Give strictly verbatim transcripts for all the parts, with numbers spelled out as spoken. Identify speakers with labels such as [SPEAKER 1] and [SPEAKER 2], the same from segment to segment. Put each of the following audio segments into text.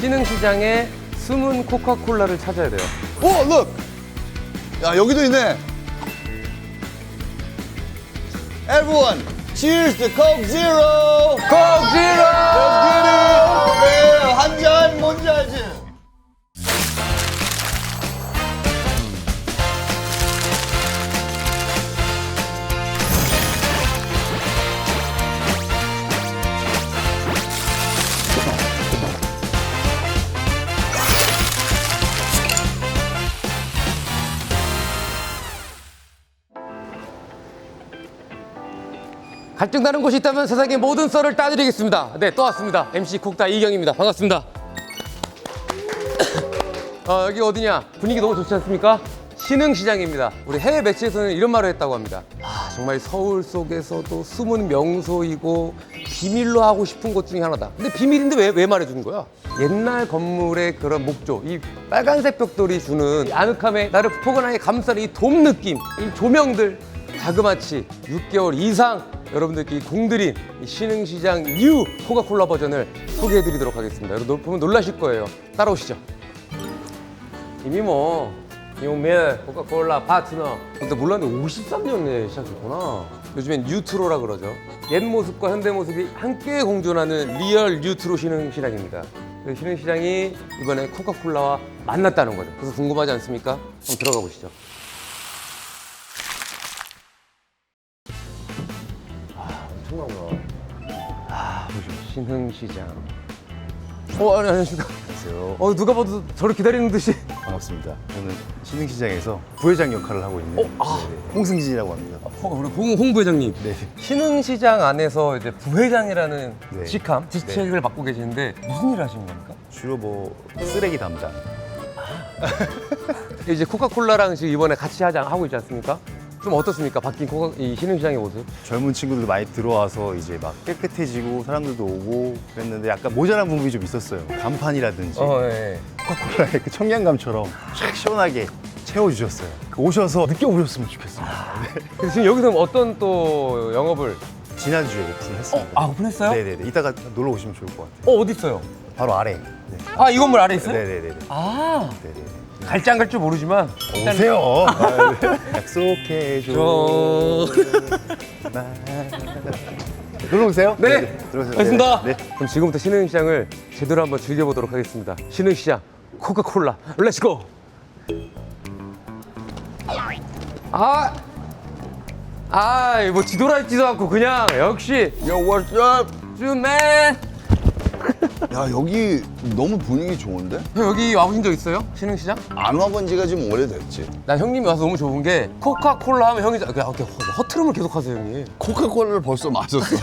[SPEAKER 1] 신흥시장의 숨은 코카콜라를 찾아야 돼요.
[SPEAKER 2] 오, look! 야, 여기도 있네. Everyone, cheers to Coke Zero!
[SPEAKER 1] Coke Zero!
[SPEAKER 2] Let's get it! 네, 한 잔 뭔지 알지?
[SPEAKER 1] 갈등 나는 곳이 있다면 세상의 모든 썰을 따드리겠습니다. 네, 또 왔습니다. 엠씨 콕다 이경입니다. 반갑습니다. 어, 여기 어디냐? 분위기 너무 좋지 않습니까? 신흥시장입니다. 우리 해외 매체에서는 이런 말을 했다고 합니다. 아, 정말 서울 속에서도 숨은 명소이고 비밀로 하고 싶은 곳 중에 하나다. 근데 비밀인데 왜, 왜 말해주는 거야? 옛날 건물의 그런 목조, 이 빨간색 벽돌이 주는 이 아늑함에 나를 포근하게 감싸는 이 돔 느낌, 이 조명들, 자그마치 육 개월 이상 여러분들께 공들인 이 신흥시장 뉴 코카콜라 버전을 소개해드리도록 하겠습니다. 여러분 보면 놀라실 거예요. 따라오시죠. 이미 뭐 유명 코카콜라 파트너. 근데 몰랐는데 오십삼 년에 시작했구나. 요즘엔 뉴트로라 그러죠. 옛 모습과 현대 모습이 함께 공존하는 리얼 뉴트로 신흥시장입니다. 그 신흥시장이 이번에 코카콜라와 만났다는 거죠. 그래서 궁금하지 않습니까? 한번 들어가 보시죠. 엄청나구나. 아, 보시죠. 신흥시장. 어, 아니, 안녕하십니까.
[SPEAKER 3] 안녕하세요.
[SPEAKER 1] 어, 누가 봐도 저를 기다리는 듯이.
[SPEAKER 3] 반갑습니다. 저는 신흥시장에서 부회장 역할을 하고 있는
[SPEAKER 1] 어, 아.
[SPEAKER 3] 네네, 홍승진이라고 합니다.
[SPEAKER 1] 어, 우리 홍, 홍 부회장님.
[SPEAKER 3] 네.
[SPEAKER 1] 신흥시장 안에서 이제 부회장이라는
[SPEAKER 3] 네.
[SPEAKER 1] 직함, 직책을 맡고 계시는데 무슨 일을 하시는 겁니까?
[SPEAKER 3] 주로 뭐 쓰레기 담당.
[SPEAKER 1] 이제 코카콜라랑 지금 이번에 같이 하자, 하고 있지 않습니까? 좀 어떻습니까? 바뀐 코카, 이 신흥시장의 모습?
[SPEAKER 3] 젊은 친구들도 많이 들어와서 이제 막 깨끗해지고 사람들도 오고 그랬는데 약간 모자란 부분이 좀 있었어요. 간판이라든지
[SPEAKER 1] 어, 예.
[SPEAKER 3] 코카콜라의 그 청량감처럼 쫙 시원하게 채워주셨어요. 오셔서 느껴보셨으면 좋겠습니다. 네.
[SPEAKER 1] 그래서 지금 여기서 어떤 또 영업을?
[SPEAKER 3] 지난주에 오픈했습니다.
[SPEAKER 1] 아, 오픈했어요?
[SPEAKER 3] 네네네. 이따가 놀러 오시면 좋을 것 같아요.
[SPEAKER 1] 어, 어디 있어요?
[SPEAKER 3] 바로 아래. 네.
[SPEAKER 1] 아, 이 건물 아래 있어요?
[SPEAKER 3] 네네네.
[SPEAKER 1] 아,
[SPEAKER 3] 네네.
[SPEAKER 1] 갈지 안 갈 줄 모르지만 일단
[SPEAKER 3] 오세요. 아, 네. 약속해줘.
[SPEAKER 1] 저...
[SPEAKER 3] 놀러 오세요.
[SPEAKER 1] 네,
[SPEAKER 3] 들어오세요.
[SPEAKER 1] 알겠습니다.
[SPEAKER 3] 네.
[SPEAKER 1] 그럼 지금부터 신흥시장을 제대로 한번 즐겨보도록 하겠습니다. 신흥시장 코카콜라 렛츠고. 아, 아, 뭐 뒤돌아있지도 않고 그냥 역시
[SPEAKER 2] Yo, what's up?
[SPEAKER 1] 쭈맨.
[SPEAKER 2] 야, 여기 너무 분위기 좋은데?
[SPEAKER 1] 형 여기 와보신 적 있어요? 신흥시장?
[SPEAKER 2] 안 와본 지가 좀 오래됐지.
[SPEAKER 1] 나 형님이 와서 너무 좋은 게 코카콜라 하면 형이 그냥 이렇게 허트름을 계속 하세요 형님.
[SPEAKER 2] 코카콜라를 벌써 마셨어.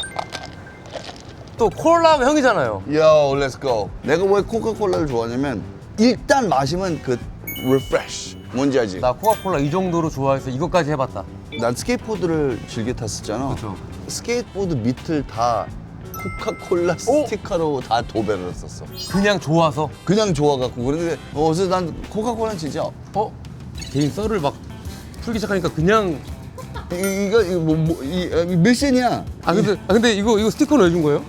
[SPEAKER 1] 또 콜라 하면 형이잖아요.
[SPEAKER 2] Yo, let's go. 내가 왜 코카콜라를 좋아하냐면 일단 마시면 그 refresh. 뭔지 알지?
[SPEAKER 1] 나 코카콜라 이 정도로 좋아해서 이것까지 해봤다.
[SPEAKER 2] 난 스케이트보드를 즐겨 탔었잖아.
[SPEAKER 1] 그쵸.
[SPEAKER 2] 스케이트보드 밑을 다 코카콜라 스티커로 다 도배를 했었어.
[SPEAKER 1] 그냥 좋아서.
[SPEAKER 2] 그냥 좋아갖고. 그런데 어, 그래서 난 코카콜라는 진짜
[SPEAKER 1] 어? 개인 썰을 막 풀기 시작하니까 그냥.
[SPEAKER 2] 이, 이거 이거 뭐, 뭐 이, 이 밀센이야.
[SPEAKER 1] 아 근데 아 근데 이거 이거 스티커는 왜 준 거예요?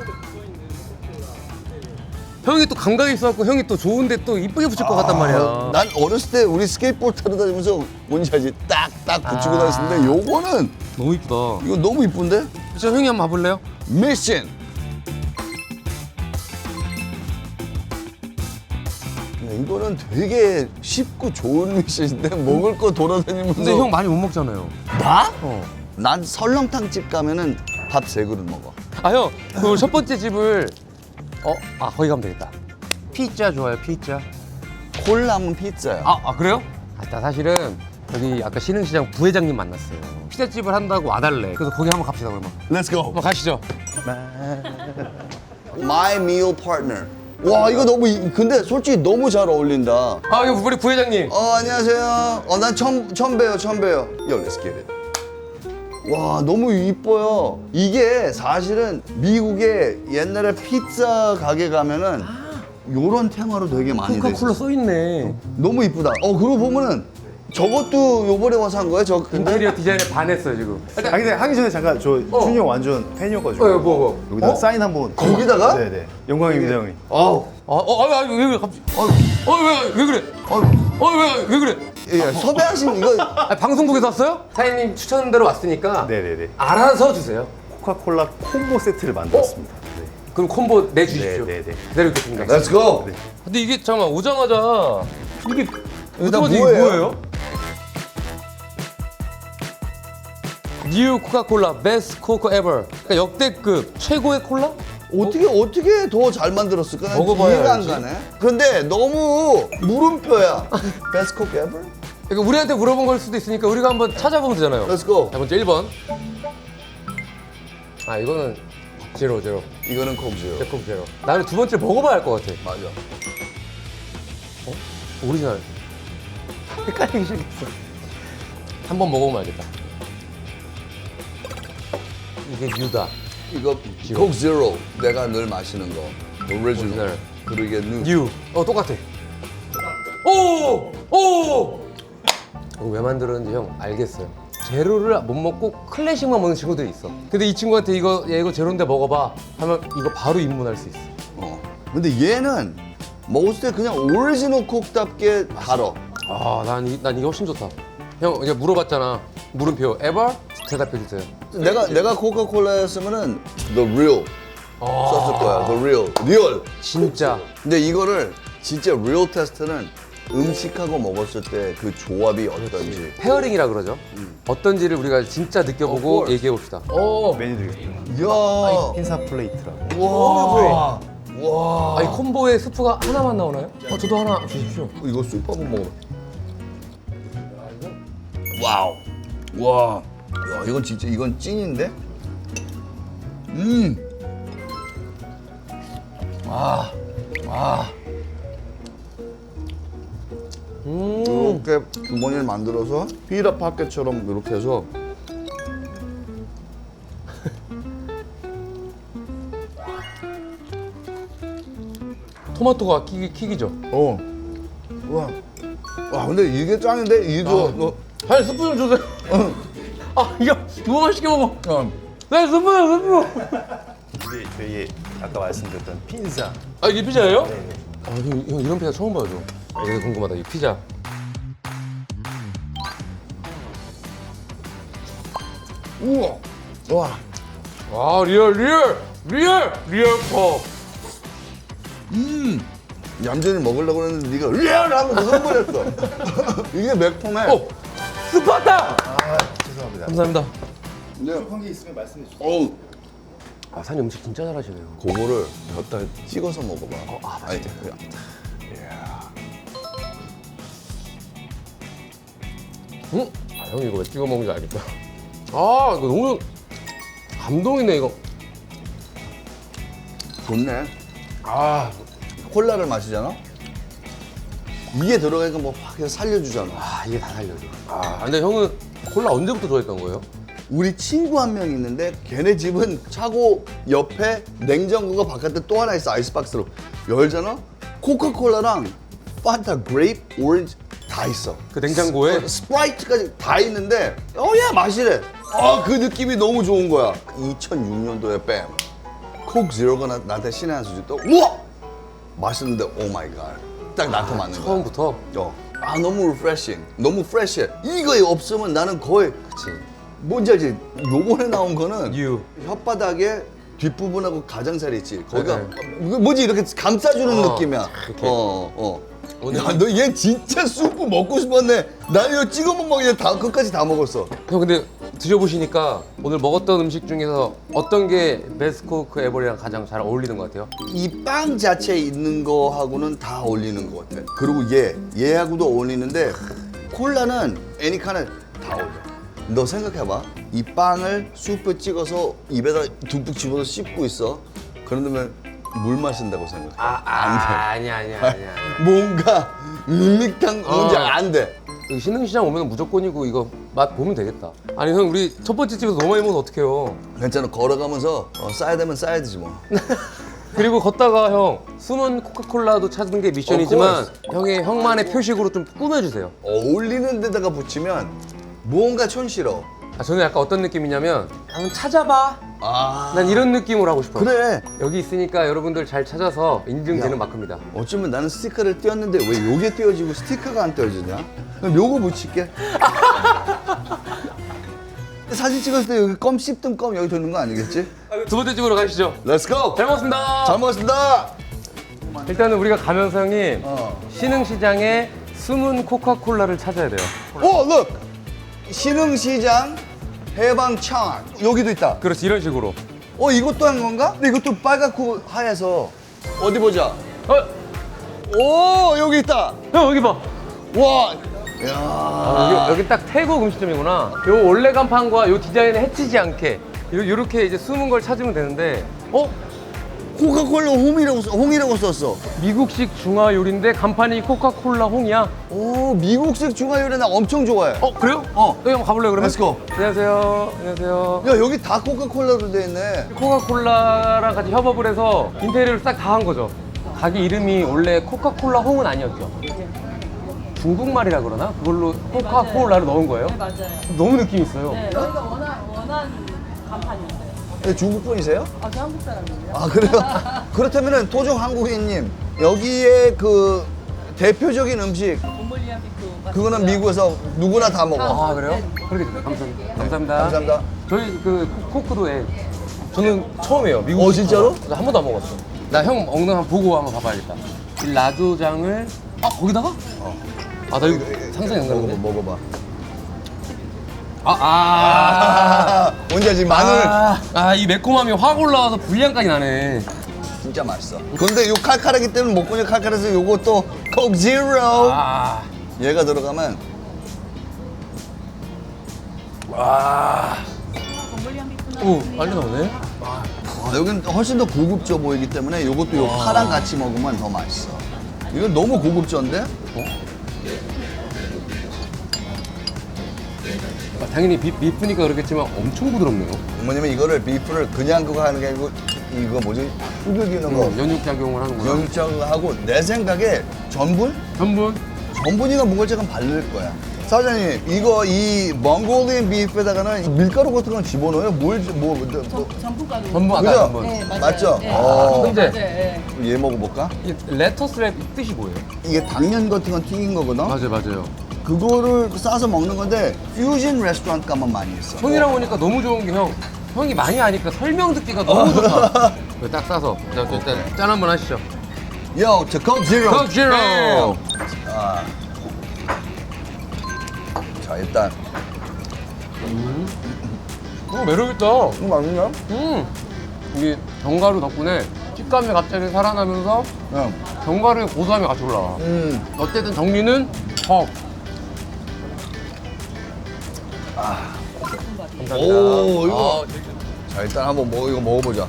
[SPEAKER 1] 형이 또 감각이 있어갖고 형이 또 좋은데 또 이쁘게 붙일 것 같단 말이야.
[SPEAKER 2] 아, 난 어렸을 때 우리 스케이트보드 타러 다니면서 뭔지 알지? 딱딱 붙이고
[SPEAKER 1] 아.
[SPEAKER 2] 다녔는데 요거는
[SPEAKER 1] 너무 이쁘다.
[SPEAKER 2] 이거 너무 이쁜데?
[SPEAKER 1] 저 형이 한번 봐볼래요?
[SPEAKER 2] 밀센. 이거는 되게 쉽고 좋은 미션인데 먹을 거 돌아다니면서.
[SPEAKER 1] 근데 형 많이 못 먹잖아요.
[SPEAKER 2] 나?
[SPEAKER 1] 어.
[SPEAKER 2] 난 설렁탕 집 가면은 밥 세 그릇 먹어.
[SPEAKER 1] 아 형, 그 첫 번째 집을 어? 아 거기 가면 되겠다. 피자 좋아요, 피자.
[SPEAKER 2] 콜라면 피자야.
[SPEAKER 1] 아, 아 그래요? 아, 나 사실은 여기 아까 신흥시장 부회장님 만났어요. 피자집을 한다고 와달래. 그래서 거기 한번 갑시다 그러면.
[SPEAKER 2] Let's go.
[SPEAKER 1] 한번 가시죠.
[SPEAKER 2] My meal partner. 와, 이거 너무 이- 근데 솔직히 너무 잘 어울린다.
[SPEAKER 1] 아 이거 우리 부회장님.
[SPEAKER 2] 어, 안녕하세요. 어, 난 처음 처음 봬요. 처음 봬요. Yo, let's get it. 와, 너무 이뻐요. 이게 사실은 미국에 옛날에 피자 가게 가면은 요런 테마로 되게 많이 돼
[SPEAKER 1] 코카콜라
[SPEAKER 2] 있어.
[SPEAKER 1] 써 있네.
[SPEAKER 2] 너무 이쁘다. 어, 그러고 보면은 저것도 요번에 와서 한 거예요? 저 근데
[SPEAKER 1] 인테리어 디자인에 반했어요 지금.
[SPEAKER 3] 아 근데 하기 전에 잠깐 저
[SPEAKER 1] 어.
[SPEAKER 3] 준이 형 완전 팬이어가지고
[SPEAKER 1] 어, 뭐, 뭐.
[SPEAKER 3] 여기다
[SPEAKER 2] 어?
[SPEAKER 3] 사인 한번.
[SPEAKER 2] 거기다가?
[SPEAKER 3] 네네. 영광입니다 형님.
[SPEAKER 2] 어,
[SPEAKER 1] 어, 어, 아, 왜 그래 갑자기? 어, 어, 왜, 왜 그래? 어, 어, 왜, 왜 그래?
[SPEAKER 2] 예, 섭외하신 이거
[SPEAKER 1] 아, 방송국에서 왔어요? 사장님 추천대로 왔으니까
[SPEAKER 3] 네네네.
[SPEAKER 1] 알아서 주세요.
[SPEAKER 3] 코카콜라 콤보 세트를 만들었습니다. 네.
[SPEAKER 1] 그럼 콤보 내주십시오.
[SPEAKER 3] 네, 네, 네.
[SPEAKER 1] 기다리고 있겠습니다.
[SPEAKER 2] Let's go.
[SPEAKER 1] 근데 이게 잠깐만 오자마자 이게
[SPEAKER 2] 일단
[SPEAKER 1] 오자마자 이게
[SPEAKER 2] 뭐예요?
[SPEAKER 1] 뭐예요? 뉴 코카콜라 베스트 코코 에버. 그러니까 역대급 최고의 콜라?
[SPEAKER 2] 어떻게 어떻게 더 잘 만들었을까? 난
[SPEAKER 1] 먹어봐야
[SPEAKER 2] 이해가 안
[SPEAKER 1] 알지.
[SPEAKER 2] 가네. 그런데 너무 물음표야. Best cook ever?
[SPEAKER 1] 그러니까 우리한테 물어본 걸 수도 있으니까 우리가 한번 찾아보면 되잖아요.
[SPEAKER 2] Let's go.
[SPEAKER 1] 자, 먼저 일 번. 아, 이거는 제로, 제로.
[SPEAKER 2] 이거는 콕 제로.
[SPEAKER 1] 제품 제로. 나는 두 번째 먹어봐야 할 것 같아.
[SPEAKER 2] 맞아.
[SPEAKER 1] 오리지널. 헷갈리기 시작했어. 한 번 먹어보면 알겠다. 이게 뉴다.
[SPEAKER 2] 이거 콕 제로. 내가 늘 마시는 거. 오리지널.
[SPEAKER 1] 오리지널.
[SPEAKER 2] 그리고 이게 뉴.
[SPEAKER 1] 뉴. 어, 똑같아. 오! 오! 이거 왜 만들었는지 형 알겠어요. 제로를 못 먹고 클래식만 먹는 친구들이 있어. 근데 이 친구한테 이거, 얘 이거 제로인데 먹어봐 하면 이거 바로 입문할 수 있어.
[SPEAKER 2] 어. 근데 얘는 먹었을 때 그냥 오리지널 콕답게 달어.
[SPEAKER 1] 아, 난, 이, 난 이게 훨씬 좋다. 형, 이제 물어봤잖아. 물음표, ever? 대답해주세요.
[SPEAKER 2] 내가 내가 코카콜라였으면은 the real 썼을 거야. the real. 리얼.
[SPEAKER 1] 진짜.
[SPEAKER 2] 근데 이거를 진짜 real 테스트는 음식하고 먹었을 때 그 조합이 어떤지.
[SPEAKER 1] 페어링이라 그러죠. 어떤지를 우리가 진짜
[SPEAKER 2] Of
[SPEAKER 1] 느껴보고
[SPEAKER 2] course.
[SPEAKER 1] 얘기해 봅시다. 오,
[SPEAKER 3] 메뉴 드리겠습니다.
[SPEAKER 2] 이야.
[SPEAKER 3] 핀사 플레이트라고.
[SPEAKER 2] 와. 와.
[SPEAKER 1] 아, 이 콤보에 스프가 하나만 나오나요? 어, 저도 하나 주십시오.
[SPEAKER 2] 이거 쑥 한번 먹어. 와우. 와. 야, 이건 진짜 이건 찐인데? 음. 아. 아.
[SPEAKER 1] 음,
[SPEAKER 2] 이렇게 주머니를 만들어서 피자 파켓처럼 이렇게 해서
[SPEAKER 1] 토마토가 킥, 킥이죠.
[SPEAKER 2] 어. 와. 와, 근데 이게 짱인데 이거
[SPEAKER 1] 아.
[SPEAKER 2] 뭐
[SPEAKER 1] 아니, 스프 좀 주세요. 아, 이거 너무 맛있게 먹어.
[SPEAKER 2] 어.
[SPEAKER 1] 네, 스프요, 스프.
[SPEAKER 3] 이게 저희 아까 말씀드렸던 핀사.
[SPEAKER 1] 아, 이게 피자예요? 아, 형, 형 이런 피자 처음 봐요, 저. 아, 이게 궁금하다, 이 피자.
[SPEAKER 2] 우와. 와.
[SPEAKER 1] 아, 리얼, 리얼, 리얼, 리얼 컵.
[SPEAKER 2] 음. 얌전히 먹으려고 했는데 네가 리얼 하면 흥분했어. 이게 매콤해.
[SPEAKER 1] 어, 스파타!
[SPEAKER 3] 아, 죄송합니다.
[SPEAKER 1] 감사합니다.
[SPEAKER 2] 근데
[SPEAKER 3] 한게 있으면 말씀해 주세요.
[SPEAKER 2] 어우.
[SPEAKER 1] 아, 사장님 음식 진짜 잘하시네요.
[SPEAKER 2] 그거를 곁다가 찍어서 먹어봐.
[SPEAKER 1] 어, 아,
[SPEAKER 2] 아니,
[SPEAKER 1] 응? 아, 형이 이거 왜 찍어 먹는지 알겠다. 아, 이거 너무 감동이네, 이거.
[SPEAKER 2] 좋네. 아, 콜라를 마시잖아? 이게 들어가니까 뭐 확 해서 살려주잖아.
[SPEAKER 1] 아, 이게 다 살려줘. 아, 근데 형은 콜라 언제부터 좋아했던 거예요?
[SPEAKER 2] 우리 친구 한 명 있는데 걔네 집은 차고 옆에 냉장고가 바깥에 또 하나 있어. 아이스박스로 열잖아? 코카콜라랑 판타, 그레이프, 오렌지 다 있어.
[SPEAKER 1] 그 냉장고에?
[SPEAKER 2] 스, 스프라이트까지 다 있는데 어야 마시래. 아, 그 느낌이 너무 좋은 거야. 이천육 년도에 뺨 콕 제로가 나, 나한테 신의 한 수지 또 우와! 맛있는데 오 마이 갓. 딱 나한테 맞는 거야.
[SPEAKER 1] 처음부터?
[SPEAKER 2] 어. 아, 너무 리프레싱. 너무 프레시해. 이거 없으면 나는 거의
[SPEAKER 1] 그치.
[SPEAKER 2] 뭔지 알지? 요번에 나온 거는
[SPEAKER 1] 뉴.
[SPEAKER 2] 혓바닥에 뒷부분하고 가장살이 있지. 거기가
[SPEAKER 1] 네.
[SPEAKER 2] 이거 뭐지 이렇게 감싸주는
[SPEAKER 1] 어,
[SPEAKER 2] 느낌이야.
[SPEAKER 1] 이렇게.
[SPEAKER 2] 어, 어.
[SPEAKER 1] 오늘-
[SPEAKER 2] 야, 너 얘 진짜 수프 먹고 싶었네. 나 이거 찍어 먹먹다 끝까지 다 먹었어.
[SPEAKER 1] 형 근데 드셔보시니까 오늘 먹었던 음식 중에서 어떤 게 베스코크 에버리랑 가장 잘 어울리는 것 같아요?
[SPEAKER 2] 이 빵 자체에 있는 거하고는 다 어울리는 것 같아. 그리고 얘, 얘하고도 어울리는데 콜라는 애니카는 다 어울려. 너 생각해봐. 이 빵을 수프 찍어서 입에다 듬뿍 집어서 씹고 있어. 그러면 물 마신다고 생각해.
[SPEAKER 1] 아,
[SPEAKER 2] 안 돼.
[SPEAKER 1] 아니야, 아니야, 아니야. 아니야.
[SPEAKER 2] 뭔가 밋밋한 뭔지
[SPEAKER 1] 어.
[SPEAKER 2] 안 돼.
[SPEAKER 1] 여기 신흥시장 오면 무조건이고 이거 맛 보면 되겠다. 아니 형 우리 첫 번째 집에서 너무 많이 먹으면 어떡해요.
[SPEAKER 2] 괜찮아. 걸어가면서 어, 싸야 되면 싸야 되지 뭐.
[SPEAKER 1] 그리고 걷다가 형 숨은 코카콜라도 찾는 게 미션이지만 형의 형만의 표식으로 좀 꾸며주세요.
[SPEAKER 2] 어울리는 데다가 붙이면 뭔가 촌스러워.
[SPEAKER 1] 아, 저는 약간 어떤 느낌이냐면 한번 찾아봐.
[SPEAKER 2] 아.
[SPEAKER 1] 난 이런 느낌으로 하고 싶어요.
[SPEAKER 2] 그래.
[SPEAKER 1] 여기 있으니까 여러분들 잘 찾아서 인증되는
[SPEAKER 2] 야.
[SPEAKER 1] 마크입니다.
[SPEAKER 2] 어쩌면 나는 스티커를 띄웠는데 왜 요게 띄워지고 스티커가 안 띄워지냐? 그럼 요거 붙일게. 사진 찍었을 때 여기 껌 씹든 껌 여기 도는 거 아니겠지?
[SPEAKER 1] 두 번째 집으로 가시죠.
[SPEAKER 2] Let's go.
[SPEAKER 1] 잘 먹었습니다.
[SPEAKER 2] 잘 먹었습니다.
[SPEAKER 1] 일단은 우리가 가면서 형님
[SPEAKER 2] 어.
[SPEAKER 1] 신흥시장에 숨은 코카콜라를 찾아야 돼요.
[SPEAKER 2] 오, look. 신흥시장 해방창 여기도 있다.
[SPEAKER 1] 그렇지, 이런 식으로.
[SPEAKER 2] 어, 이것도 한 건가? 근데 이것도 빨갛고 하얘서 어디 보자.
[SPEAKER 1] 어,
[SPEAKER 2] 오, 여기 있다.
[SPEAKER 1] 형 여기 봐.
[SPEAKER 2] 와. 야.
[SPEAKER 1] 아, 여기, 여기 딱 태국 음식점이구나. 요 원래 간판과 요 디자인을 해치지 않게 요, 요렇게 이제 숨은 걸 찾으면 되는데, 어?
[SPEAKER 2] 코카콜라 홍이라고 써- 홍이라고 썼어.
[SPEAKER 1] 미국식 중화 요리인데 간판이 코카콜라 홍이야.
[SPEAKER 2] 오, 미국식 중화요리 나 엄청 좋아해.
[SPEAKER 1] 어, 그래요?
[SPEAKER 2] 어.
[SPEAKER 1] 여기 한번 가볼래요, 그러면?
[SPEAKER 2] Let's go.
[SPEAKER 1] 안녕하세요. 안녕하세요.
[SPEAKER 2] 야, 여기 다 코카콜라로 돼 있네.
[SPEAKER 1] 코카콜라랑 같이 협업을 해서 인테리어를 싹 다 한 거죠. 가게 이름이 원래 코카콜라 홍은 아니었죠. 중국말이라 그러나? 그걸로 코카콜라를 넣은 거예요?
[SPEAKER 4] 네, 맞아요.
[SPEAKER 1] 너무 느낌 있어요.
[SPEAKER 4] 네, 저희가 원한, 원한 간판이었어요.
[SPEAKER 2] 근데 중국 분이세요?
[SPEAKER 4] 아, 저 한국 사람이에요.
[SPEAKER 2] 아, 그래요? 그렇다면은 토종 한국인님 여기에 그 대표적인 음식
[SPEAKER 4] 곰몰리아 비프.
[SPEAKER 2] 그거는 미국에서 누구나 다 먹어.
[SPEAKER 1] 아, 그래요? 그렇게 감사합니다. 감사합니다.
[SPEAKER 2] 감사합니다.
[SPEAKER 1] 저희 그 코- 코크도에 저는 처음이에요. 미국.
[SPEAKER 2] 어, 진짜로?
[SPEAKER 1] 나 한 번도 안 먹었어. 나 형 먹는 거 한번 보고 한번 봐봐야겠다. 이 라조장을 아 거기다가? 어. 아, 나 이거 상상이 안
[SPEAKER 2] 먹어봐,
[SPEAKER 1] 가는데.
[SPEAKER 2] 먹어봐.
[SPEAKER 1] 아, 아.
[SPEAKER 2] 아, 뭔지 알지? 마늘
[SPEAKER 1] 아, 아, 이 매콤함이 확 올라와서 불량까지 나네.
[SPEAKER 2] 진짜 맛있어. 근데 요 칼칼하기 때문에 목구멍이 칼칼해서 요것도 콕 제로.
[SPEAKER 1] 아,
[SPEAKER 2] 얘가 들어가면
[SPEAKER 4] 곰몰리아 비프는
[SPEAKER 1] 오, 빨리 나오네.
[SPEAKER 2] 아, 여긴 훨씬 더 고급져 보이기 때문에 요것도 요 파랑 같이 먹으면 더 맛있어. 이건 너무 고급져인데?
[SPEAKER 1] 아, 당연히 비, 비프니까 그렇겠지만 엄청 부드럽네요.
[SPEAKER 2] 뭐냐면 이거를 비프를 그냥 그거 하는 게 아니고 이거 뭐지? 후겨기는 거
[SPEAKER 1] 어, 연육 작용을 하는구나.
[SPEAKER 2] 연육하고 내 생각에 전분?
[SPEAKER 1] 전분.
[SPEAKER 2] 전분이가 뭔가 조금 바를 거야. 사장님 이거 이 몽골리안 비프에다가는 밀가루 같은 건 집어넣어요? 뭘, 뭐, 뭐, 뭐.
[SPEAKER 4] 전분가루.
[SPEAKER 1] 전분 아까
[SPEAKER 2] 그죠?
[SPEAKER 1] 전분.
[SPEAKER 4] 네, 맞아요.
[SPEAKER 2] 맞죠?
[SPEAKER 4] 네.
[SPEAKER 2] 어.
[SPEAKER 1] 근데
[SPEAKER 4] 맞아요. 네.
[SPEAKER 2] 얘 먹어볼까?
[SPEAKER 1] 이 레터스 랩 뜻이 뭐예요?
[SPEAKER 2] 이게 당면 같은 건 튀긴 거거든?
[SPEAKER 1] 맞아요, 맞아요.
[SPEAKER 2] 그거를 싸서 먹는 건데 퓨전 레스토랑 가면 많이 있어.
[SPEAKER 1] 형이랑 오니까 너무 좋은 게 형. 형이 많이 아니까 설명 듣기가 너무 좋다. 이거 딱 싸서. 자, 일단 짠 한번 하시죠.
[SPEAKER 2] Yo, to Coke Zero.
[SPEAKER 1] Coke Zero.
[SPEAKER 2] 아. 자, 일단
[SPEAKER 1] 어, 매력있다.
[SPEAKER 2] 이거 맛있냐?
[SPEAKER 1] 음. 이게 견과류 덕분에 식감이 갑자기 살아나면서
[SPEAKER 2] 응.
[SPEAKER 1] 견과류의 고소함이 같이 올라와.
[SPEAKER 2] 음.
[SPEAKER 1] 어쨌든 정리는 헉. 감사합니다.
[SPEAKER 2] 오, 이거.
[SPEAKER 1] 아,
[SPEAKER 2] 자, 일단 한번 먹 이거 먹어보자.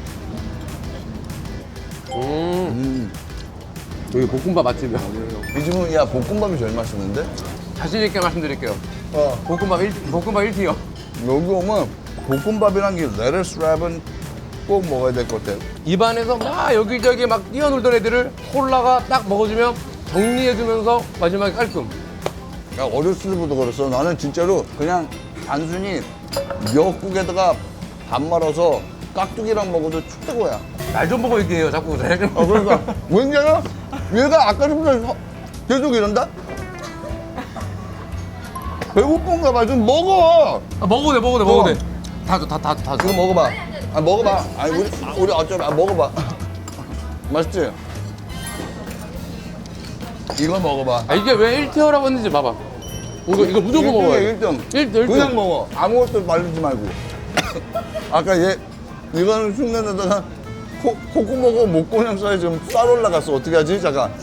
[SPEAKER 1] 음.
[SPEAKER 2] 음.
[SPEAKER 1] 여기 볶음밥 맛집이야.
[SPEAKER 2] 이 집은 야 볶음밥이 제일 맛있는데?
[SPEAKER 1] 자신 있게 말씀드릴게요.
[SPEAKER 2] 어.
[SPEAKER 1] 볶음밥 일 볶음밥 일 티어.
[SPEAKER 2] 여기 오면 볶음밥이랑 이 레터스 랩은 꼭 먹어야 될 것 같아.
[SPEAKER 1] 입안에서 막 여기저기 막 뛰어놀던 애들을 콜라가 딱 먹어주면 정리해주면서 마지막에 깔끔.
[SPEAKER 2] 야, 어렸을 때부터 그랬어. 나는 진짜로 그냥 단순히 미역국에다가 밥 말아서 깍두기랑 먹어도 최고야.
[SPEAKER 1] 날 좀 보고 얘기해요, 자꾸. 날 좀.
[SPEAKER 2] 아, 그러니까 왠지야 얘가 아까부터 계속 이런다? 배고픈가 봐. 좀 먹어.
[SPEAKER 1] 아, 먹어도 돼, 먹어도 돼, 먹어도 돼. 다 줘, 다, 다 줘, 다 줘.
[SPEAKER 2] 이거 먹어봐. 아, 먹어봐. 아니, 우리, 아, 우리 어쩌면, 아, 먹어봐. 맛있지? 이거 먹어봐.
[SPEAKER 1] 아, 이게 왜 일 티어라고 했는지 봐봐. 이거, 이거 무조건 먹어야 돼.
[SPEAKER 2] 일 등.
[SPEAKER 1] 일 등, 일 등.
[SPEAKER 2] 그냥 먹어. 아무것도 바르지 말고. 아까 얘, 이거는 흉내내다가 코, 콧구멍하고 목구멍 사이에 지금 쌀 올라갔어. 어떻게 하지? 잠깐.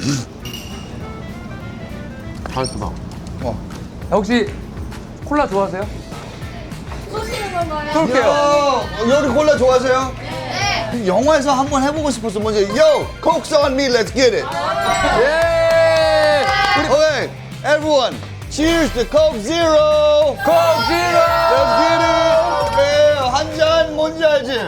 [SPEAKER 1] 잘했어, 봐.
[SPEAKER 2] 어.
[SPEAKER 1] 아, 혹시 콜라 좋아하세요?
[SPEAKER 4] 쏘시는 건가요?
[SPEAKER 1] 쏠게요.
[SPEAKER 2] 요, 여기 콜라 좋아하세요? 네. 영화에서 한번 해보고 싶었어. 먼저, yo, Coke's on me, let's get it.
[SPEAKER 1] 예! 우리
[SPEAKER 2] Okay, everyone, cheers to Coke Zero.
[SPEAKER 1] Coke Zero!
[SPEAKER 2] Let's get it. 네, 한 잔 뭔지 알지?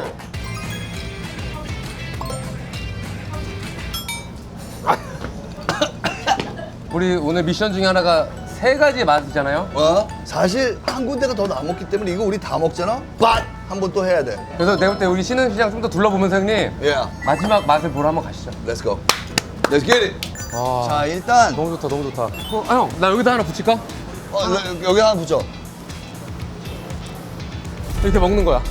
[SPEAKER 1] 우리 오늘 미션 중에 하나가 세 가지의 맛이잖아요.
[SPEAKER 2] 어? 사실 한 군데가 더 남았기 때문에 이거 우리 다 먹잖아? 밭! 한번 또 해야 돼.
[SPEAKER 1] 그래서 내가 볼 때 우리 신흥시장 좀 더 둘러보면서 형님
[SPEAKER 2] Yeah,
[SPEAKER 1] 마지막 맛을 보러 한번 가시죠.
[SPEAKER 2] let's go. Let's get it.
[SPEAKER 1] 아,
[SPEAKER 2] 자, 일단
[SPEAKER 1] 너무 좋다, 너무 좋다. 어, 아, 형, 나 여기다 하나 붙일까?
[SPEAKER 2] 어, 여- 여기 하나 붙여.
[SPEAKER 1] 이렇게 먹는 거야.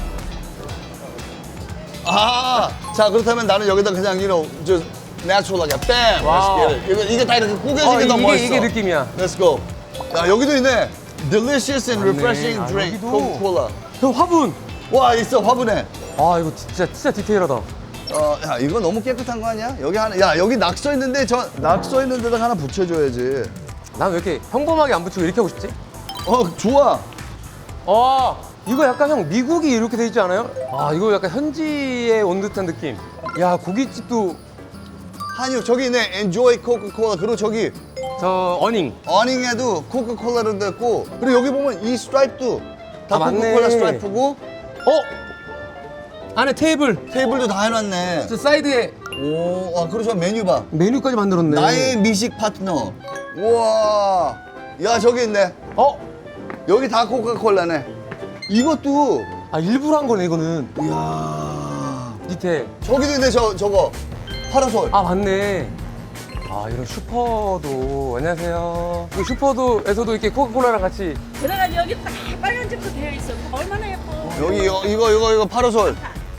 [SPEAKER 2] 아, 자 그렇다면 나는 여기다 그냥 you know just natural하게 뺨.
[SPEAKER 1] 와우.
[SPEAKER 2] Let's get it. 이거 이게 다 이렇게 구겨지게
[SPEAKER 1] 어,
[SPEAKER 2] 더
[SPEAKER 1] 이게,
[SPEAKER 2] 멋있어.
[SPEAKER 1] 이게 느낌이야.
[SPEAKER 2] Let's go. 야 여기도 있네. Delicious and
[SPEAKER 1] 맞네.
[SPEAKER 2] refreshing
[SPEAKER 1] 아,
[SPEAKER 2] drink.
[SPEAKER 1] 여기도.
[SPEAKER 2] Coca-Cola.
[SPEAKER 1] 형, 화분!
[SPEAKER 2] 와 있어 화분에.
[SPEAKER 1] 아, 이거 진짜, 진짜 디테일하다.
[SPEAKER 2] 어, 야 이거 너무 깨끗한 거 아니야? 여기 하나, 야 여기 낙서 있는데 저 낙서 있는 데다 하나 붙여줘야지.
[SPEAKER 1] 난 왜 이렇게 평범하게 안 붙이고 이렇게 하고 싶지?
[SPEAKER 2] 어 좋아.
[SPEAKER 1] 아, 이거 약간 형 미국이 이렇게 돼 있지 않아요? 아, 이거 약간 현지에 온 듯한 느낌. 야, 고깃집도
[SPEAKER 2] 한유 저기 있네. Enjoy Coca-Cola. 그리고 저기
[SPEAKER 1] 저 어닝.
[SPEAKER 2] 어닝에도 코카콜라로 됐고 그리고 여기 보면 이 스트라이프도 다
[SPEAKER 1] 아, 맞네.
[SPEAKER 2] 코카콜라 스트라이프고
[SPEAKER 1] 어? 안에 테이블.
[SPEAKER 2] 테이블도 다 해놨네.
[SPEAKER 1] 저 사이드에
[SPEAKER 2] 오, 아 그리고 저 메뉴 봐.
[SPEAKER 1] 메뉴까지 만들었네.
[SPEAKER 2] 나의 미식 파트너. 우와. 야 저기 있네.
[SPEAKER 1] 어?
[SPEAKER 2] 여기 다 코카콜라네. 이것도.
[SPEAKER 1] 아, 일부러 한 거네, 이거는.
[SPEAKER 2] 이야.
[SPEAKER 1] 디테일.
[SPEAKER 2] 저기도 있네 저 저거. 파라솔.
[SPEAKER 1] 아, 맞네. 아, 이런 슈퍼도. 안녕하세요. 이 슈퍼도에서도 이렇게 코카콜라랑 같이.
[SPEAKER 4] 들어가니 여기 다 빨간색도 되어 있어. 얼마나 예뻐.
[SPEAKER 2] 여기 여, 이거 이거 이거 파라솔.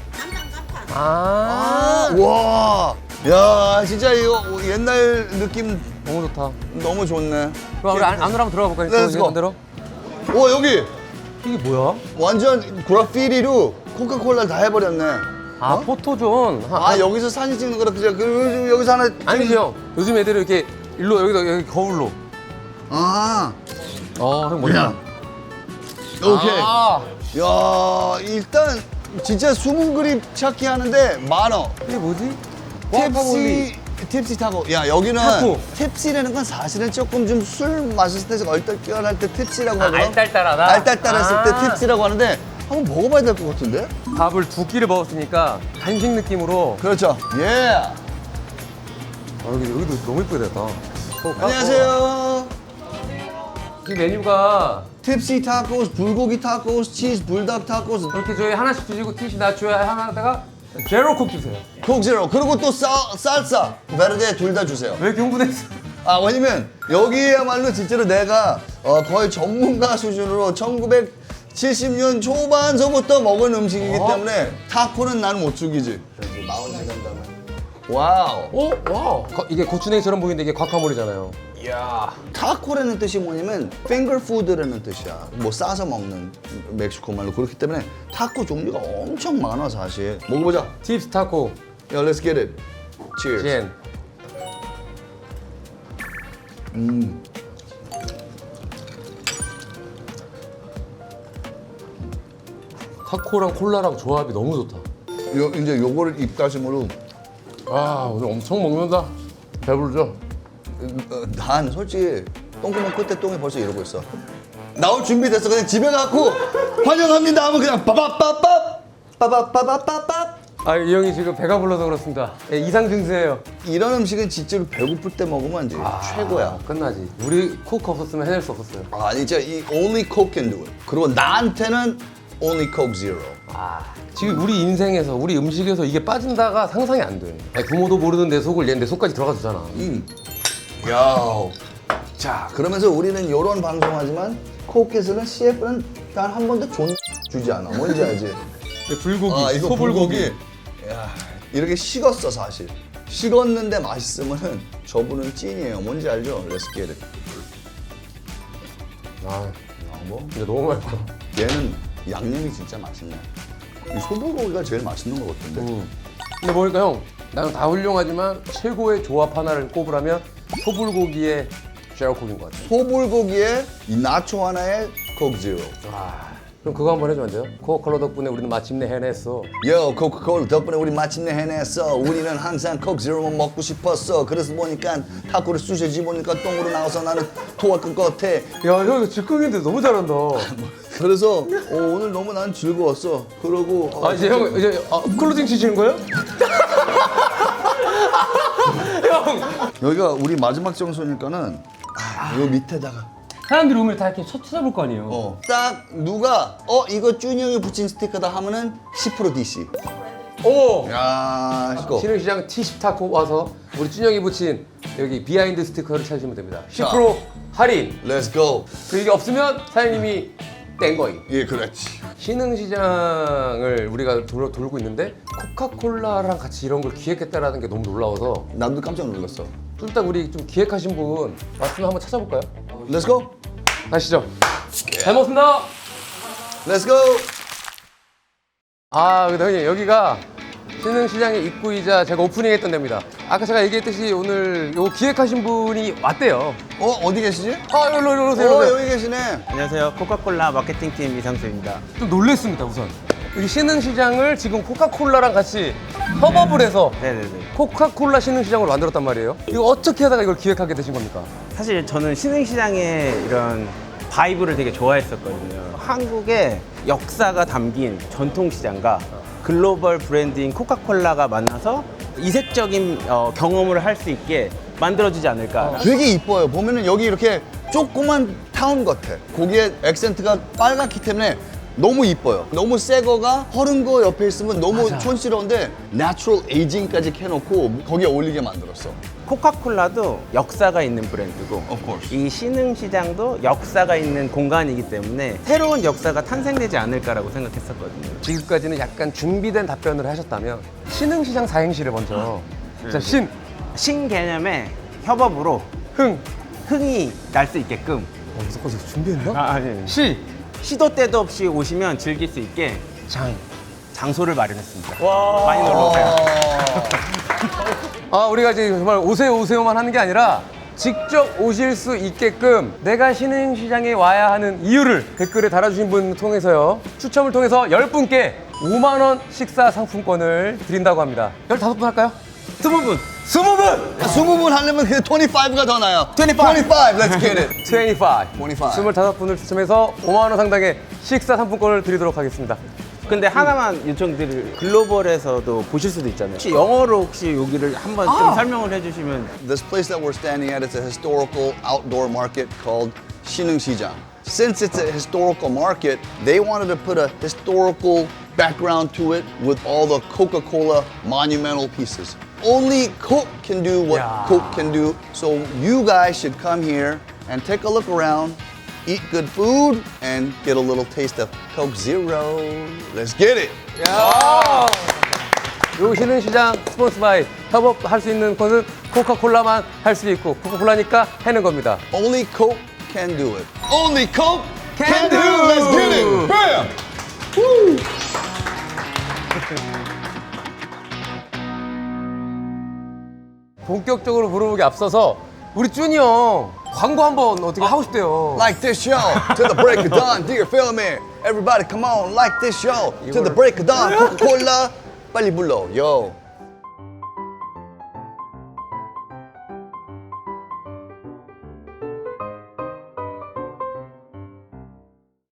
[SPEAKER 1] 아,
[SPEAKER 2] 와. 야 진짜 이거 옛날 느낌
[SPEAKER 1] 너무 좋다.
[SPEAKER 2] 너무 좋네.
[SPEAKER 1] 그럼 우리 안, 안으로 한번 들어가 볼까요?
[SPEAKER 2] Let's go.
[SPEAKER 1] 반대로.
[SPEAKER 2] 오 여기
[SPEAKER 1] 이게 뭐야?
[SPEAKER 2] 완전 그래피티로 코카콜라를 다 해버렸네.
[SPEAKER 1] 아,
[SPEAKER 2] 어?
[SPEAKER 1] 포토존. 하-
[SPEAKER 2] 아 여기서 사진 찍는 거라 그냥 그 여기서 하나.
[SPEAKER 1] 아니지, 형. 요즘 애들은 이렇게 일로, 여기다, 여기 거울로.
[SPEAKER 2] 아.
[SPEAKER 1] 어, 형 뭐야?
[SPEAKER 2] 오케이.
[SPEAKER 1] 아,
[SPEAKER 2] 야 일단 진짜 숨은 그림 찾기 하는데 많어.
[SPEAKER 1] 이게 뭐지?
[SPEAKER 2] 팁시 팁시 타고. 야 여기는
[SPEAKER 1] 타코.
[SPEAKER 2] 팁시라는 건 사실은 조금 좀 술 마셨을 때 얼떨결할 때 팁시라고
[SPEAKER 1] 아,
[SPEAKER 2] 하거든.
[SPEAKER 1] 알딸딸하다?
[SPEAKER 2] 알딸딸했을
[SPEAKER 1] 아.
[SPEAKER 2] 때 팁시라고 하는데 한번 먹어봐야 될 것 같은데?
[SPEAKER 1] 밥을 두 끼를 먹었으니까 간식 느낌으로.
[SPEAKER 2] 그렇죠. 예.
[SPEAKER 1] 아, 여기, 여기도 너무 이쁘게 됐다. 어,
[SPEAKER 2] 안녕하세요.
[SPEAKER 1] 이 메뉴가
[SPEAKER 2] 팁시 타코스, 불고기 타코스, 치즈 불닭 타코스,
[SPEAKER 1] 이렇게 저희 하나씩 주시고 티시 나줘야 하나다가 제로 콕 주세요.
[SPEAKER 2] 콕 제로. 그리고 또 쌀, 쌀사, 베르데 둘 다 주세요.
[SPEAKER 1] 왜 이렇게 흥분했어?
[SPEAKER 2] 아 왜냐면 여기야말로 진짜로 내가 어, 거의 전문가 수준으로 천구백칠십 년 초반서부터 먹은 음식이기
[SPEAKER 1] 어?
[SPEAKER 2] 때문에 타코는 난 못 죽이지. 마흔 시간 다음에. 와우.
[SPEAKER 1] 오, 와우. 거- 이게 고추냉이처럼 보이는데 이게 과카몰이잖아요. 이야.
[SPEAKER 2] 타코라는 뜻이 뭐냐면 finger food라는 뜻이야. 뭐 싸서 먹는 멕시코 말로. 그렇기 때문에 타코 종류가 엄청 많아 사실. 먹어보자.
[SPEAKER 1] 팁스 타코.
[SPEAKER 2] 야, let's get it. Cheers.
[SPEAKER 1] 젠. 타코랑 콜라랑 조합이 너무 좋다.
[SPEAKER 2] 요, 이제 요거를 입가심으로
[SPEAKER 1] 아, 오늘 엄청 먹는다. 배부르죠?
[SPEAKER 2] 어, 난 솔직히 똥구멍 끝에 똥이 벌써 이러고 있어. 나올 준비 됐어. 그냥 집에 가고 환영합니다 하면 그냥 빠바빠밥 빠바빠바빠밥.
[SPEAKER 1] 아, 이 형이 지금 배가 불러서 그렇습니다. 예, 이상 증세예요.
[SPEAKER 2] 이런 음식은 진짜로 배고플 때 먹으면 이제 최고야.
[SPEAKER 1] 아, 끝나지. 우리 코크 없었으면 해낼 수 없었어요.
[SPEAKER 2] 아 진짜 이 only Coke can do it. 그리고 나한테는 only Coke Zero.
[SPEAKER 1] 아, 지금 우리 인생에서 우리 음식에서 이게 빠진다가 상상이 안 돼. 아니, 부모도 모르는 내 속을 얘 내 속까지 들어가 주잖아.
[SPEAKER 2] 음. 야. 자 그러면서 우리는 이런 방송하지만 코크에서는 씨에프는 단 한 번도 존 주지 않아. 뭔지 알지?
[SPEAKER 1] 불고기,
[SPEAKER 2] 아 이거
[SPEAKER 1] 소불고기.
[SPEAKER 2] 불고기. 야 이렇게 식었어 사실. 식었는데 맛있으면은 저분은 찐이에요. 뭔지 알죠? Let's get it.
[SPEAKER 1] 아,
[SPEAKER 2] 뭐?
[SPEAKER 1] 근데 너무 맛있어.
[SPEAKER 2] 얘는 양념이 진짜 맛있네. 이 소불고기가 제일 맛있는 것 같은데.
[SPEAKER 1] 음. 근데 보니까 형, 나는 다 훌륭하지만 최고의 조합 하나를 꼽으라면 소불고기의 제로콕인 것 같아.
[SPEAKER 2] 소불고기에 이 나초 하나에 Coke Zero.
[SPEAKER 1] 아, 그럼 그거 한번 해주면 안 돼요? 코카콜라 덕분에 우리는 마침내 해냈어.
[SPEAKER 2] 요 코카콜라 덕분에 우리 마침내 해냈어. 우리는 항상 Coke Zero만 먹고 싶었어. 그래서 보니까 타코를 쑤셔지 보니까 똥으로 나와서 나는 토할 것 같아.
[SPEAKER 1] 야, 형 이거 즉흥인데 너무 잘한다.
[SPEAKER 2] 그래서 어, 오늘 너무 난 즐거웠어. 그러고 어,
[SPEAKER 1] 아, 이제 형 이제 아, 클로징 치시는 거예요? 형!
[SPEAKER 2] 여기가 우리 마지막 장소니까는 아, 요 밑에다가
[SPEAKER 1] 사람들이 오면 다 이렇게 쳐- 찾아볼 거 아니에요.
[SPEAKER 2] 어. 딱 누가 어 이거 준이 형이 붙인 스티커다 하면은 십 퍼센트 디씨.
[SPEAKER 1] 오!
[SPEAKER 2] 야, 이거.
[SPEAKER 1] 신흥시장 티십 타고 와서 우리 준영이 붙인 여기 비하인드 스티커를 찾으시면 됩니다. 십 퍼센트 할인.
[SPEAKER 2] Let's go.
[SPEAKER 1] 그 이게 없으면 사장님이 땡 거임.
[SPEAKER 2] 예, 그렇지.
[SPEAKER 1] 신흥시장을 우리가 돌, 돌고 있는데 코카콜라랑 같이 이런 걸 기획했다라는 게 너무 놀라워서
[SPEAKER 2] 나도 깜짝 놀랐어.
[SPEAKER 1] 좀 이따 우리 좀 기획하신 분 왔으면 한번 찾아볼까요?
[SPEAKER 2] Let's go.
[SPEAKER 1] 가시죠. 잘 먹습니다.
[SPEAKER 2] Let's go.
[SPEAKER 1] 아, 근데 형님 여기가 신흥시장의 입구이자 제가 오프닝했던 데입니다. 아까 제가 얘기했듯이 오늘 요 기획하신 분이 왔대요.
[SPEAKER 2] 어, 어디 계시지?
[SPEAKER 1] 아, 여기로 여기로 오세요.
[SPEAKER 2] 어,
[SPEAKER 1] 오세요.
[SPEAKER 2] 여기 계시네.
[SPEAKER 5] 안녕하세요. 코카콜라 마케팅팀 이상수입니다.
[SPEAKER 1] 좀 놀랬습니다, 우선. 여기 신흥시장을 지금 코카콜라랑 같이 협업을 해서
[SPEAKER 5] 네네네.
[SPEAKER 1] 코카콜라 신흥시장으로 만들었단 말이에요. 이거 어떻게 하다가 이걸 기획하게 되신 겁니까?
[SPEAKER 5] 사실 저는 신흥시장의 이런 바이브를 되게 좋아했었거든요. 한국의 역사가 담긴 전통시장과 글로벌 브랜드인 코카콜라가 만나서 이색적인 어, 경험을 할 수 있게 만들어지지 않을까.
[SPEAKER 2] 되게 이뻐요. 보면은 여기 이렇게 조그만 타운 같아. 거기에 액센트가 빨갛기 때문에 너무 이뻐요. 너무 새 거가 허른 거 옆에 있으면 너무 촌스러운데 내추럴 에이징까지 해놓고 거기에 어울리게 만들었어.
[SPEAKER 5] 코카콜라도 역사가 있는 브랜드고
[SPEAKER 2] Of course.
[SPEAKER 5] 이 신흥시장도 역사가 있는 공간이기 때문에 새로운 역사가 탄생되지 않을까라고 생각했었거든요.
[SPEAKER 1] 지금까지는 약간 준비된 답변을 하셨다면 신흥시장 사행시를 먼저 자, 신,
[SPEAKER 5] 신개념의 협업으로
[SPEAKER 1] 흥.
[SPEAKER 5] 흥이 날 수 있게끔
[SPEAKER 1] 어, 무조건 준비했나?
[SPEAKER 5] 아, 아니.
[SPEAKER 1] 시,
[SPEAKER 5] 시도 때도 없이 오시면 즐길 수 있게 장 장소를 마련했습니다. 많이 놀러 오세요.
[SPEAKER 1] 아, 우리가 이제 정말 오세요 오세요만 하는 게 아니라 직접 오실 수 있게끔 내가 신흥시장에 와야 하는 이유를 댓글에 달아주신 분 통해서요 추첨을 통해서 열 분께 오만 원 식사 상품권을 드린다고 합니다. 열다섯 분 할까요?
[SPEAKER 5] 스무 분.
[SPEAKER 1] 스무 분!
[SPEAKER 2] 스무 분 하려면 그냥 이십오가 더 나아요.
[SPEAKER 5] 이십오.
[SPEAKER 2] 이십오, let's get it.
[SPEAKER 1] 이십오.
[SPEAKER 2] 이십오.
[SPEAKER 1] 스물다섯 분을 추첨해서 오만 원 상당의 식사 상품권을 드리도록 하겠습니다.
[SPEAKER 5] 근데 하나만 요청드릴 글로벌에서도 보실 수도 있잖아요. 혹시 영어로 혹시 여기를 한번 좀 설명을 해주시면.
[SPEAKER 2] This place that we're standing at is a historical outdoor market called 신흥시장. Since it's a historical market, they wanted to put a historical background to it with all the Coca-Cola monumental pieces. Only Coke can do what
[SPEAKER 1] Yeah.
[SPEAKER 2] Coke can do, so you guys should come here and take a look around, eat good food, and get a little taste of Coke Zero. Let's get it!
[SPEAKER 1] 요 신흥시장 스폰스 바이 협업할 수 있는 것은 코카콜라만 할 수 있고 코카콜라니까 해는 겁니다.
[SPEAKER 2] Only Coke can do it. Only Coke
[SPEAKER 1] Can
[SPEAKER 2] can, do.
[SPEAKER 1] do.
[SPEAKER 2] Let's get it! Bam!
[SPEAKER 1] 본격적으로 물어보기 앞서서 우리 준이 형 광고 한번 어떻게 하고 싶대요.
[SPEAKER 2] Like this show to the break of dawn. Do you feel me? Everybody come on, like this show to the break of dawn. Coca-Cola 빨리 불러. Yo.